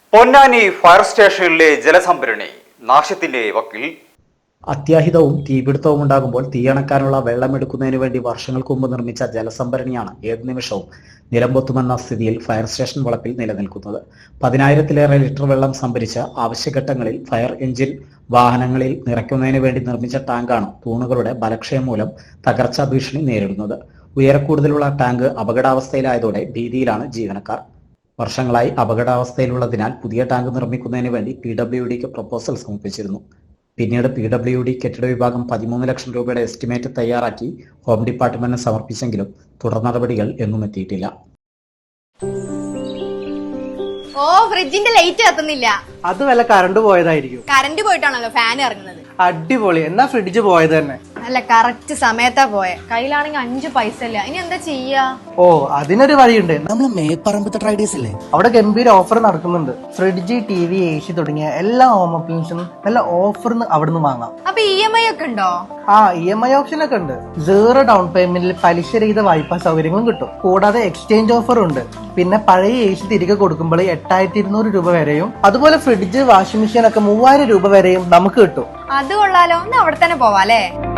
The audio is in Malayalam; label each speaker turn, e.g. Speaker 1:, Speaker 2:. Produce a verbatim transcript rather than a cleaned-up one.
Speaker 1: പൊന്നാനി ഫയർ സ്റ്റേഷനിലെ ജലസംഭരണി നാശത്തിന്റെ വക്കിൽ.
Speaker 2: അത്യാഹിതവും തീപിടുത്തവും ഉണ്ടാകുമ്പോൾ തീയണക്കാനുള്ള വെള്ളമെടുക്കുന്നതിനു വേണ്ടി വർഷങ്ങൾക്ക് മുമ്പ് നിർമ്മിച്ച ജലസംഭരണിയാണ് ഏതു നിമിഷവും നിലംപൊത്തുമെന്ന സ്ഥിതിയിൽ ഫയർ സ്റ്റേഷൻ വളപ്പിൽ നിലനിൽക്കുന്നത്. പതിനായിരത്തിലേറെ ലിറ്റർ വെള്ളം സംഭരിച്ച് ആവശ്യഘട്ടങ്ങളിൽ ഫയർ എഞ്ചിൻ വാഹനങ്ങളിൽ നിറയ്ക്കുന്നതിന് വേണ്ടി നിർമ്മിച്ച ടാങ്കാണ് തൂണുകളുടെ ബലക്ഷയം മൂലം തകർച്ചാ ഭീഷണി നേരിടുന്നത്. ഉയരക്കൂടുതലുള്ള ടാങ്ക് അപകടാവസ്ഥയിലായതോടെ ഭീതിയിലാണ് ജീവനക്കാർ. വർഷങ്ങളായി അപകടാവസ്ഥയിലുള്ളതിനാൽ പുതിയ ടാങ്ക് നിർമ്മിക്കുന്നതിന് വേണ്ടി പി ഡബ്ല്യു ഡിക്ക് പ്രപ്പോസൽ സമർപ്പിച്ചിരുന്നു. പിന്നീട് പി ഡബ്ല്യു ഡി കെട്ടിട വിഭാഗം പതിമൂന്ന് ലക്ഷം രൂപയുടെ എസ്റ്റിമേറ്റ് തയ്യാറാക്കി ഹോം ഡിപ്പാർട്ട്മെന്റിന് സമർപ്പിച്ചെങ്കിലും തുടർ നടപടികൾ എങ്ങും എത്തിയിട്ടില്ല.
Speaker 3: ഓ ഫ്രിഡ്ജിന്റെ ലൈറ്റ് കത്തുന്നില്ല.
Speaker 4: അത് വല്ല കറണ്ട് പോയതായിരിക്കും.
Speaker 3: കറണ്ട് പോയിട്ടാണല്ലോ ഫാൻ ഇറങ്ങുന്നത്.
Speaker 4: അടിപൊളി, എന്നാ ഫ്രിഡ്ജ് പോയത് തന്നെ.
Speaker 3: അല്ല, കറക്റ്റ് സമയത്താ പോയെ. കയ്യിലാണെങ്കിൽ അഞ്ചു പൈസ ഇല്ല. ഇനി എന്താ ചെയ്യാ?
Speaker 4: ഓ, അതിനൊരു വഴിയുണ്ട്.
Speaker 5: നമ്മള് മേപ്പറമ്പത്തെ ട്രൈഡേഴ്സ് ഇല്ലേ,
Speaker 4: അവിടെ ഗംഭീര ഓഫർ നടക്കുന്നുണ്ട്. Fridge, T V, A C തുടങ്ങിയ എല്ലാ ഹോം അപ്ലയൻസും നല്ല ഓഫറിന് അവിടുന്ന് വാങ്ങാം.
Speaker 3: അപ്പൊ ഇ എം ഐ ഒക്കെ ഉണ്ടോ?
Speaker 4: ആ, ഇ എം ഐ ഓപ്ഷൻ ഒക്കെ ഉണ്ട്. സീറോ ഡൗൺ പേയ്മെന്റിൽ പലിശ രഹിത വായ്പാ സൗകര്യങ്ങളും കിട്ടും. കൂടാതെ എക്സ്ചേഞ്ച് ഓഫറും ഉണ്ട്. പിന്നെ പഴയ എ സി തിരികെ കൊടുക്കുമ്പോൾ എട്ടായിരത്തി ഇരുന്നൂറ് രൂപ വരെയും, അതുപോലെ ഫ്രിഡ്ജ്, വാഷിംഗ് മെഷീൻ ഒക്കെ മൂവായിരം രൂപ വരെയും നമുക്ക് കിട്ടും.
Speaker 3: അത് കൊള്ളാലോ. ഒന്ന് അവിടെ തന്നെ പോവാ അല്ലേ?